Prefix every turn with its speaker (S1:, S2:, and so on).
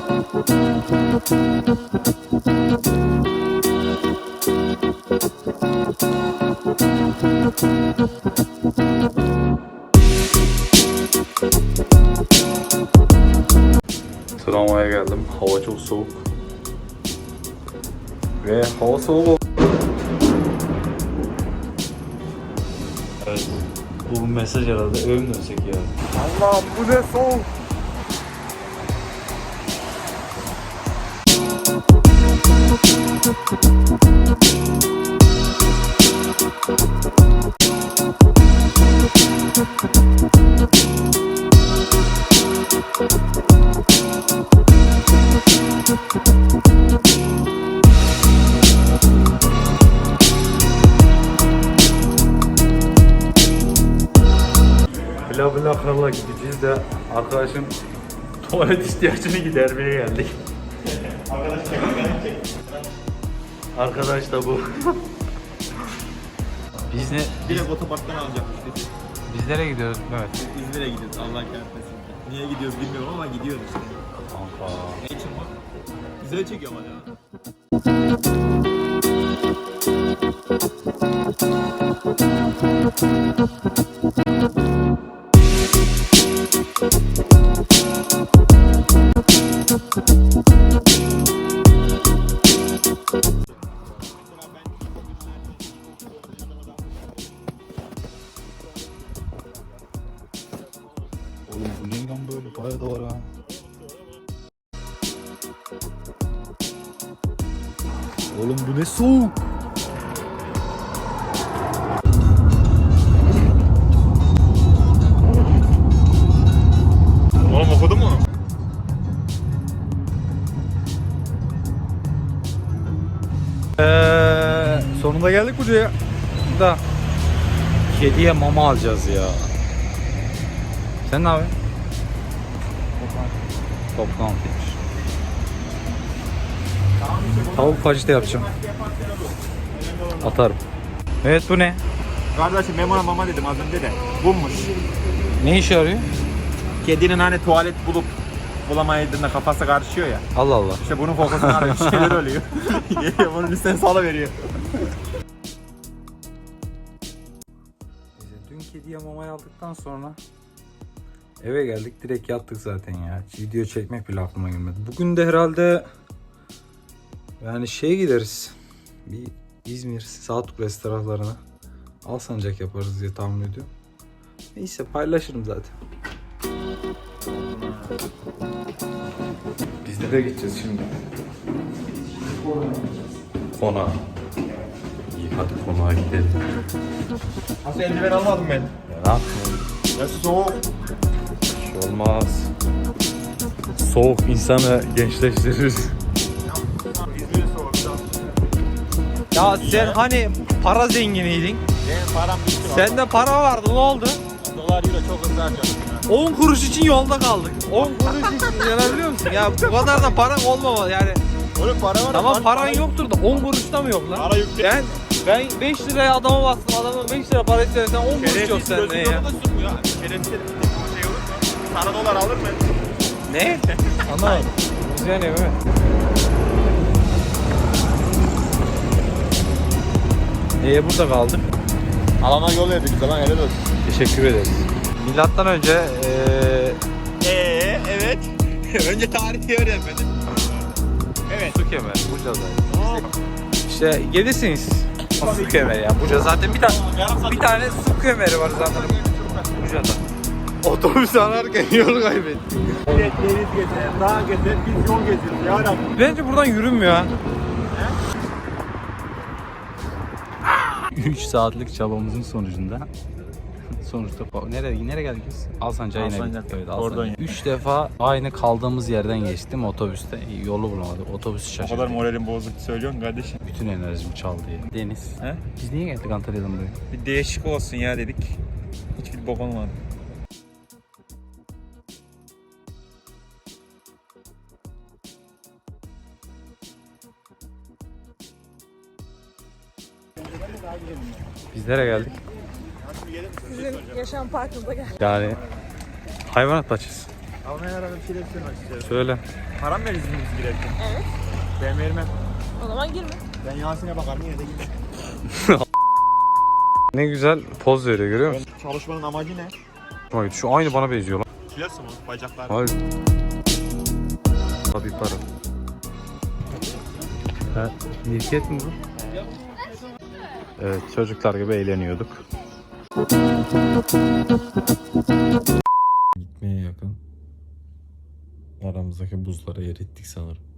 S1: Tramvaya geldim. Hava çok soğuk. Ve hava soğuk.
S2: Evet. Bu mesaj herhalde eve mi dönsek ya?
S1: Allah'ım bu ne soğuk.
S2: Bla bla krala gideceğiz de arkadaşım tuvalet ihtiyacını gidermeye geldik. Arkadaş da bu.
S3: Biz ne?
S4: Direkt otoparktan alacakmış dedi.
S3: Biz nereye gidiyoruz Mehmet?
S4: İzmir'e gidiyoruz Allah kahretmesin. Niye gidiyoruz bilmiyorum ama gidiyoruz işte.
S2: Kanka.
S4: Ne için bu? Güzel çekiyor ama ya.
S1: Oğlum bu ne lan böyle? Bayağı da var ha. Oğlum bu ne soğuk.
S4: Oğlum okudun mu?
S1: Sonunda geldik buraya. Da kediye mama alacağız ya. Sen ne yapıyorsun? Toplantıymış. Tavuk fajita yapacağım. Atarım. Evet bu ne?
S4: Kardeşim ben buna mama dedim az önce de. Bummuş.
S1: Ne işe yarıyor?
S4: Kedinin hani tuvalet bulup bulamayadığında kafası karışıyor ya.
S1: Allah Allah.
S4: İşte bunun kokusunu arıyor. Bir şeyler oluyor. Geliyor bunun üstüne salıveriyor.
S1: Dün kediye mamayı aldıktan sonra eve geldik, direkt yattık zaten ya. Hiç video çekmek bile aklıma gelmedi. Bugün de herhalde yani şeye gideriz. Bir İzmir, Saatkulesi taraflarına Alsancak yaparız diye tahmin ediyorum. Neyse paylaşırım zaten. Biz de gideceğiz şimdi. Konağa. İyi hadi konağa gidelim.
S4: Nasıl eldiven almadım ben?
S1: Ya ne yapayım?
S4: Ya soğuk.
S1: Bir şey olmaz. Soğuk insanı gençleştirir.
S4: İzmir'e soğuk.
S3: Ya sen hani para zenginiydin.
S4: Benim param bitti.
S3: Sende para vardı, ne oldu?
S4: Dolar euro çok hızlı harcadım.
S3: 10 kuruş için yolda kaldık. 10 kuruş için yanabiliyor musun? Ya bu kadar da paran olmamalı yani.
S4: Oğlum para var.
S3: Tamam paran yoktur da 10 kuruş da mı yok lan?
S4: Para yüklü.
S3: Ben 5 liraya adama bastım, adamın 5 lira para istersen 10 kuruş yok sende ya.
S4: Şerefsiz şey olur mu? Sana dolar alır mı?
S3: Ne? Anlamadım. Güzel ne mi?
S1: Burada kaldık.
S4: Alana yol verdik bize lan helal olsun.
S1: Teşekkür ederiz.
S3: Milattan önce
S4: Evet. Önce tarihi öğrenmedin. Evet.
S3: su kemeri Buca'daydı. İşte gelirsiniz. Su kemeri ya. Buca zaten bir tane su kemeri var zaten Buca'da.
S1: Otobüs ararken yol kaybettik.
S4: Evet, deniz gezer, dağ gezer, biz yol gezeriz ya Rabbi.
S3: Bence buradan yürünmüyor ha.
S1: 3 saatlik çabamızın sonucunda nereye geldik biz? Alsancak'a yine
S4: Alsancak.
S1: gittik. Evet,
S4: Oradan
S1: Alsancak. 3 defa aynı kaldığımız yerden geçtim otobüste. Yolu bulamadık. Otobüsü
S4: O
S1: şaşırdık.
S4: kadar moralim bozuk söylüyorsun kardeşim.
S1: Bütün enerjimi çaldı ya. Deniz.
S4: He?
S1: Biz niye geldik Antalya'dan buraya?
S4: Bir değişik olsun ya dedik. Hiçbir bok olmadı.
S1: Biz nereye geldik?
S5: Sizin yaşam parkınıza gel.
S1: Yani hayvanat bahçesi.
S4: Almanya arada bir şeyler söylemek istiyorum.
S3: Söyle.
S4: Param mı verirsiniz biz girerken?
S5: Evet.
S4: Ben vermem.
S5: O zaman girme.
S4: Ben Yasin'e bakarım yine de girmem.
S3: Ne güzel poz veriyor görüyor musun?
S4: Çalışmanın amacı ne?
S3: Hoşuma gitti. Şu aynı bana benziyor lan.
S4: Kilosu mu? Bacaklar.
S3: Hayır. Tabii para. Ha, mirket mi bu? Evet, çocuklar gibi eğleniyorduk. Gitmeye yakın. Aramızdaki buzları erittik sanırım.